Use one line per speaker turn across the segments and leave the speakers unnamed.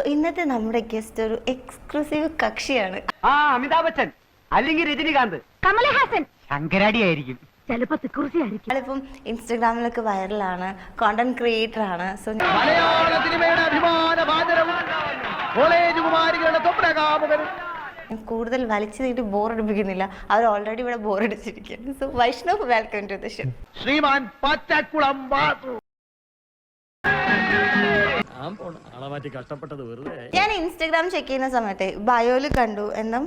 ഇന്നത്തെ നമ്മുടെ ഗസ്റ്റ് ഒരു എക്സ്ക്ലൂസീവ് കക്ഷിയാണ്.
അമിതാഭ് ബച്ചൻ അല്ലെങ്കിൽ രജനികാന്ത്,
കമലഹാസൻ,
ശങ്കരാടി ആയിരിക്കും,
ചിലപ്പോ തിക്കുറിശി ആയിരിക്കും.
ആളിപ്പം ഇൻസ്റ്റഗ്രാമിലൊക്കെ വൈറലാണ്, കോണ്ടന്റ് ക്രിയേറ്റർ ആണ്. സോ
മലയാള സിനിമയുടെ അഭിമാനഭാജനവും കോളേജ് കുമാരികളുടെ സ്വപ്നകാമുകനും.
കൂടുതൽ വലിച്ചു നീട്ടി ബോറടിപ്പിക്കുന്നില്ല, അവർ ഓൾറെഡി ഇവിടെ ബോറടിച്ചിരിക്കുകയാണ്. So Vaishnav, welcome to the show.
Shriman Pachakulam Vasu.
ഞാൻ ഇൻസ്റ്റഗ്രാം ചെക്ക് ചെയ്യുന്ന സമയത്ത് ബയോയില് കണ്ടു എന്നും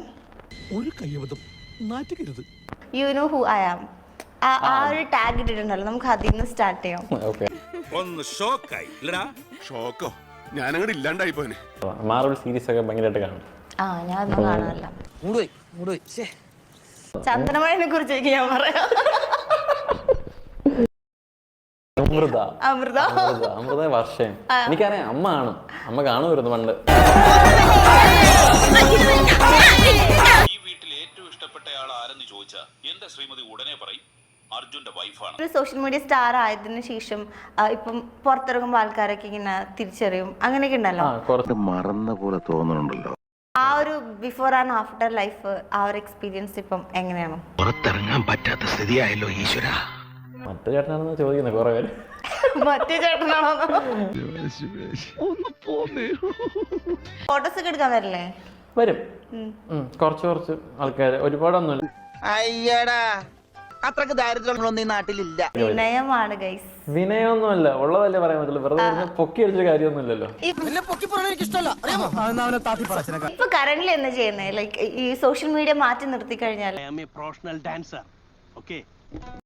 you know who I am, ആ ഒരു ടാഗ് ഇട്ടിട്ടുണ്ടല്ലോ. നമുക്ക് അതിൽ നിന്ന് സ്റ്റാർട്ട് ചെയ്യാം.
ഒന്ന് ഷോക്കായി ഇല്ലടാ. ഷോക്കോ? ഞാനങ്ങോട്ട് ഇല്ലാണ്ടായി പോനെ.
മാർവൽ സീരീസ് ഒക്കെ ഭയങ്കരമായിട്ട് കാണും.
ഞാനൊന്നും കാണാറില്ല. ചന്ദനമഴനെ കുറിച്ച് ഞാൻ പറയാം.
അമൃത വർഷം എനിക്കറിയാം. അമ്മ കാണും, അമ്മ കാണുമായിരുന്നു പണ്ട്.
ഈ വീട്ടിൽ ഏറ്റവും ഇഷ്ടപ്പെട്ട ആൾ ആരെന്ന് ചോദിച്ചാ എന്റെ ശ്രീമതി ഉടനെ പറയും അർജുന്റെ വൈഫാണ്.
ഒരു സോഷ്യൽ മീഡിയ സ്റ്റാർ ആയതിനു ശേഷം ഇപ്പം പുറത്തിറങ്ങുമ്പോൾ ആൾക്കാരൊക്കെ ഇങ്ങനെ തിരിച്ചറിയും, അങ്ങനെയൊക്കെ ഉണ്ടല്ലോ.
മറന്ന പോലെ തോന്നുന്നുണ്ടല്ലോ.
ആ ഒരു ബിഫോർ ആൻഡ് ആഫ്റ്റർ ലൈഫ്, ആ ഒരു എക്സ്പീരിയൻസ് ഇപ്പം എങ്ങനെയാണ്?
പുറത്തിറങ്ങാൻ പറ്റാത്ത സ്ഥിതിയായല്ലോ ഈശ്വര.
മറ്റു ചേട്ടനാണെന്ന് ചോദിക്കുന്നത് കുറെ പേര്.
മറ്റേ ചേട്ടനാണോ? ഫോട്ടോസ് ഒക്കെ എടുക്കാൻ വരില്ലേ?
വരും, കുറച്ച് ആൾക്കാർ, ഒരുപാടൊന്നുമില്ല.
അയ്യടാ, അത്രക്ക് ദാരിദ്ര്യമൊന്നും ഈ നാട്ടിലില്ല.
വിനയമാണ് ഗൈസ്.
വിനയൊന്നുമല്ല, ഉള്ളതല്ലേ പറയാൻ പറ്റുള്ളൂ. വെറുതെ പൊക്കി അടിച്ച കാര്യമൊന്നുമില്ല.
ഇപ്പൊ കറന്റ്ലി എന്താ ചെയ്യുന്നത്? ലൈക്ക് ഈ സോഷ്യൽ മീഡിയ മാറ്റി നിർത്തി കഴിഞ്ഞാൽ
പ്രൊഫഷണൽ ഡാൻസർ. ഓക്കേ.